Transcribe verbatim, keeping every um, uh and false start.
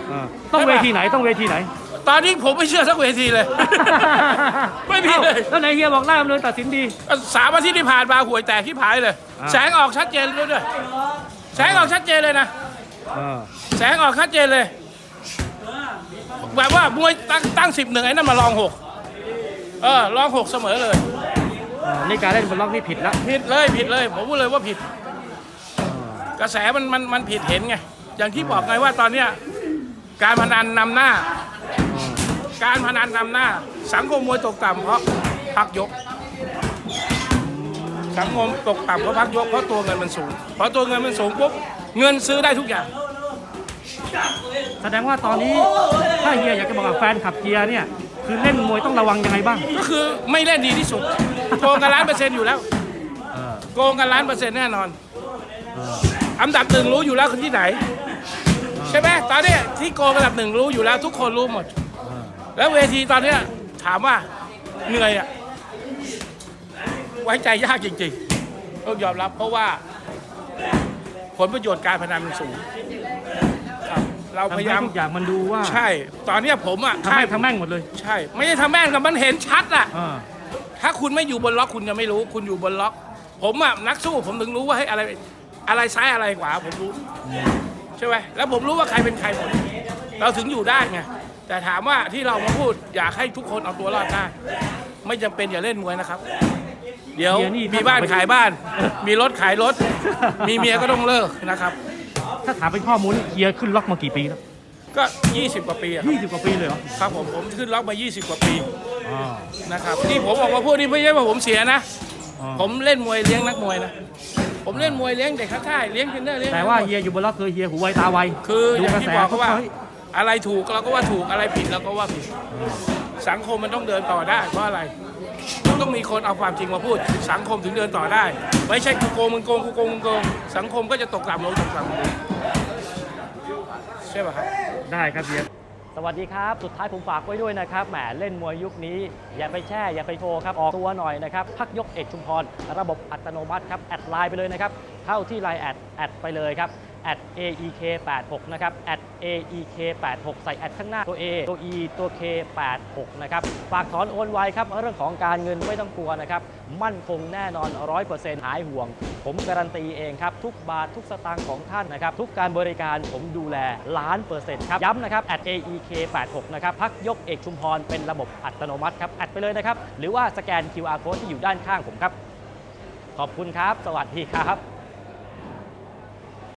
ต้องเวทีไหนต้องเวทีไหนตอนนี้ผมไม่เชื่อสักเวทีเลย ไม่มีเลยแล้วไหนเฮียบอกได้เลยตัดสินดีสามอาทิตย์ที่ผ่านมาห่วยแตกที่ผายเลยแสงออกชัดเจนด้วยด้วยแสงออกชัดเจนเลยนะแสงออกชัดเจนเลยแบบว่ามวยตั้งตั้งสิบหนึ่งไอ้นั่นมาลองหกเออลองหกเสมอเลยนี่การเล่นบนล็อกนี่ผิดแล้วผิดเลยผิดเลยผมพูดเลยว่าผิดกระแสมันมันมันผิดเห็นไงอย่างที่บอกไงว่าตอนเนี้ยการพนันนำหน้าการพนันนำหน้าสังคมมวยตกต่ำเพราะพักยกสังคมตกต่ำเพราะพักยกเพราะตัวเงินมันสูงเพราะตัวเงินมันสูงปุ๊บเงินซื้อได้ทุกอย่างแสดงว่าตอนนี้ถ้าเฮียอยากจะบอกกับแฟนขับเฮียเนี่ยคือเล่นมวยต้องระวังยังไงบ้างก็คือไม่เล่นดีที่สุดโกงกันล้านเปอร์เซ็นต์อยู่แล้วโกงกันล้านเปอร์เซ็นต์แน่นอนอันดับหนึ่งรู้อยู่แล้วคือที่ไหนใช่ไหมตอนนี้ที่โกงอันดับหนึ่งรู้อยู่แล้วทุกคนรู้หมดแล้วเวทีตอนนี้ถามว่าเหนื่อยอะไว้ใจยากจริงๆต้องยอมรับเพราะว่าผลประโยชน์การพนันมันสูงเราพยายามทุกอย่างมันดูว่าใช่ตอนนี้ผมอะทำแม่งทำแม่งหมดเลยใช่ไม่ได้ทำแม่งกับมันเห็นชัดอะถ้าคุณไม่อยู่บนล็อกคุณจะไม่รู้คุณอยู่บนล็อกผมอะนักสู้ผมถึงรู้ว่าให้อะไรอะไรซ้ายอะไรขวาผมรู้ใช่ไหมแล้วผมรู้ว่าใครเป็นใครหมดเราถึงอยู่ได้ไงแต่ถามว่าที่เรามาพูดอยากให้ทุกคนเอาตัวรอดได้ไม่จำเป็นอย่าเล่นมวยนะครับเดี๋ยวมีบ้านขายบ้านมีรถขายรถมีเมียก็ต้องเลิกนะครับถ้าถามเป็นข้อมูลเฮียขึ้นล็อกมากี่ปีแล้วก็ยี่สิบกว่าปียี่สิบกว่าปีเลยเหรอครับผมผมขึ้นล็อกมายี่สิบกว่าปีนะครับที่ผมออกมาพูดนี่ไม่ใช่ว่าผมเสียนะผมเล่นมวยเลี้ยงนักมวยนะผมเล่นมวยเลี้ยงเด็กข้างค่ายเลี้ยงเทรนเนอร์เลี้ยงแต่ว่าเฮียอยู่บนล็อกคือเฮียหูไวตาไวคืออย่างที่บอกเขาว่าอะไรถูกเราก็ว่าถูกอะไรผิดเราก็ว่าผิดสังคมมันต้องเดินต่อได้เพราะอะไรต้องมีคนเอาความจริงมาพูดสังคมถึงเดินต่อได้ไม่ใช่กูโกงมึงโกงกูโกงมึงโกงสังคมก็จะตกต่ำลงตกต่ำลงใช่ป่ะครับได้ครับเฮียสวัสดีครับสุดท้ายผมฝากไว้ด้วยนะครับแหมเล่นมวยยุคนี้อย่าไปแช่อย่าไปโชว์ครับออกตัวหน่อยนะครับพักยกเอกชุมพรระบบอัตโนมัติครับแอดไลน์ไปเลยนะครับเข้าที่ไลน์แอดแอดไปเลยครับแอด เอ อี เค แปดหก นะครับแอด เอ อี เค แปดหก ใส่แอดข้างหน้าตัว A ตัว E ตัว เค แปดหก นะครับฝากถอนโอนไวครับเรื่องของการเงินไม่ต้องกลัวนะครับมั่นคงแน่นอน ร้อยเปอร์เซ็นต์ หายห่วงผมการันตีเองครับทุกบาททุกสตางค์ของท่านนะครับทุกการบริการผมดูแลล้านเปอร์เซ็นต์ครับย้ำนะครับแอด เอ อี เค แปดหก นะครับพักยกเอกชุมพรเป็นระบบอัตโนมัติครับแอดไปเลยนะครับหรือว่าสแกน คิว อาร์ Code ที่อยู่ด้านข้างผมครับขอบคุณครับสวัสดีครับ